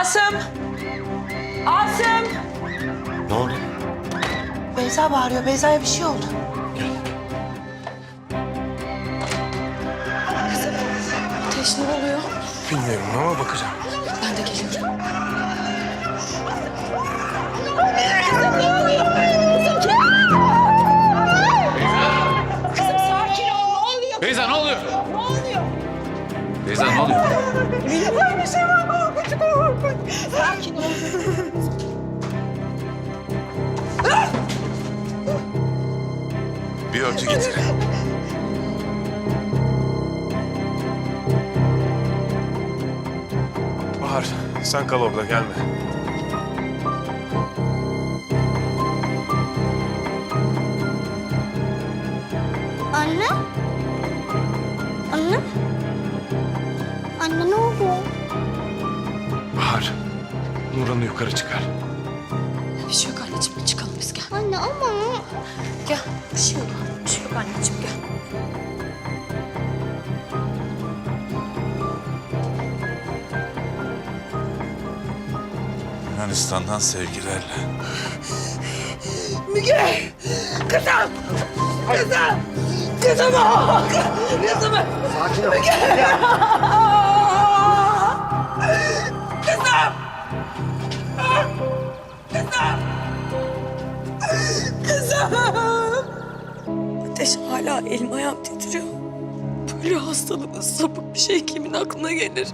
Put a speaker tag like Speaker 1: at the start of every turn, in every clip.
Speaker 1: Asım! Asım!
Speaker 2: Ne oldu?
Speaker 1: Beyza bağırıyor. Beyza'ya bir şey oldu. Kızım, ateş ne oluyor?
Speaker 2: Bilmiyorum ama bakacağım.
Speaker 1: Ben de geliyorum. Kızım sakin ol. Ne oluyor?
Speaker 3: Beyza ne oluyor?
Speaker 1: Ne oluyor?
Speaker 3: Beyza ne oluyor?
Speaker 1: Bir şey var. Korkunç. Sakin ol.
Speaker 2: Bir örtü getir. Bahar, sen kal orada, gelme.
Speaker 4: Anne? Anne? Anne ne oldu?
Speaker 2: Bahar, Nurhan'ı yukarı çıkar.
Speaker 1: Bir şey yok anneciğim. Çıkalım biz gel.
Speaker 4: Anne ama...
Speaker 1: Gel. Bir şey yok. Bir şey yok anneciğim gel.
Speaker 3: Yunanistan'dan sevgilerle.
Speaker 1: Müge! Kızım! Kızım! Kızım! Kızım! Sakin ol. Müge! Kızım! Kızım! Kızım! Ateş hala elim ayağım titriyor. Böyle hastalıklı sapık bir şey kimin aklına gelir?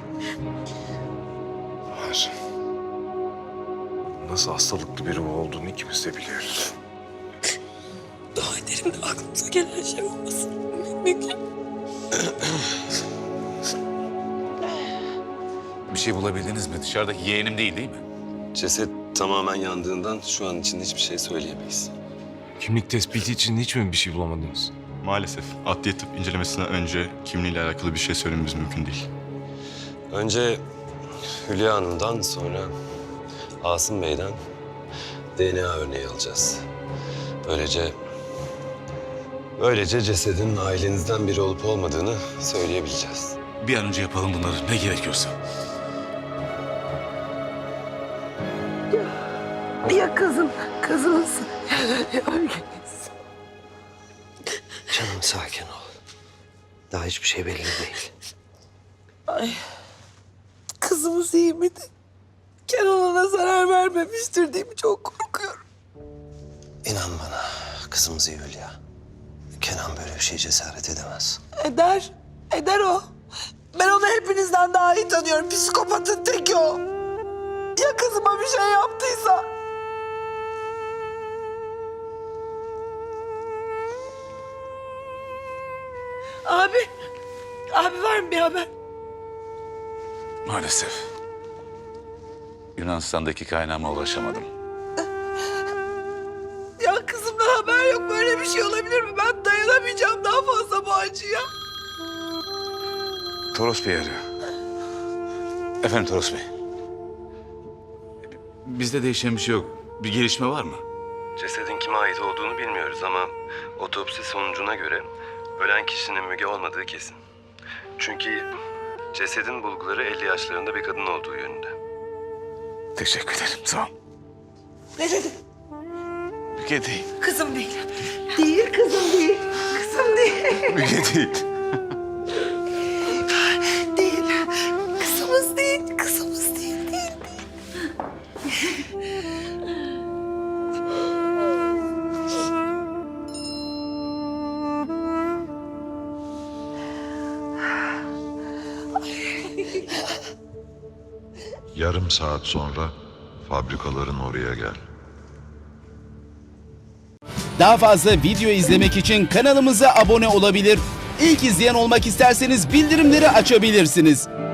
Speaker 2: Bahar, nasıl hastalıklı biri olduğunu ikimiz de biliyoruz.
Speaker 1: Dua ederim de aklımıza gelen şey olmasın. Müge.
Speaker 3: Bir şey bulabildiniz mi? Dışarıdaki yeğenim değil mi?
Speaker 5: Ceset tamamen yandığından şu an için hiçbir şey söyleyemeyiz.
Speaker 2: Kimlik tespiti için hiç mi bir şey bulamadınız?
Speaker 6: Maalesef adliye tıp incelemesinden önce kimliğiyle alakalı bir şey söylememiz mümkün değil.
Speaker 5: Önce Hülya Hanım'dan sonra Asım Bey'den DNA örneği alacağız. Böylece cesedin ailenizden biri olup olmadığını söyleyebileceğiz.
Speaker 3: Bir an önce yapalım bunları. Ne gerekiyorsa.
Speaker 1: Ya kızım, kızımız.
Speaker 7: Canım sakin ol. Daha hiçbir şey belli değil.
Speaker 1: Ay, kızımız iyi miydi? Kenan ona zarar vermemiştir değil mi? Çok korkuyorum.
Speaker 7: İnan bana kızımız iyi Hülya. Kenan böyle bir şey cesaret edemez.
Speaker 1: Eder, eder o. Ben onu hepinizden daha iyi tanıyorum. Psikopatın teki o. Ya kızıma bir şey yaptıysa? Abi var mı bir haber?
Speaker 3: Maalesef. Yunanistan'daki kaynağıma ulaşamadım.
Speaker 1: Ya kızımdan haber yok. Böyle bir şey olabilir mi? Ben dayanamayacağım daha fazla bu acıya.
Speaker 3: Toros Bey arıyor. Efendim Toros Bey. Bizde değişen bir şey yok. Bir gelişme var mı?
Speaker 5: Cesedin kime ait olduğunu bilmiyoruz ama otopsi sonucuna göre ölen kişinin Müge olmadığı kesin. Çünkü cesedin bulguları 50 yaşlarında bir kadın olduğu yönünde.
Speaker 3: Teşekkür ederim. Sağ ol.
Speaker 1: Ne dedin?
Speaker 3: Müge değil.
Speaker 1: Kızım değil. Değil kızım değil. Kızım değil.
Speaker 3: Müge değil.
Speaker 1: Değil. Kızımız değil. Kızımız değil. Değil.
Speaker 8: Yarım saat sonra fabrikaların oraya gel.
Speaker 9: Daha fazla video izlemek için kanalımıza abone olabilir. İlk izleyen olmak isterseniz bildirimleri açabilirsiniz.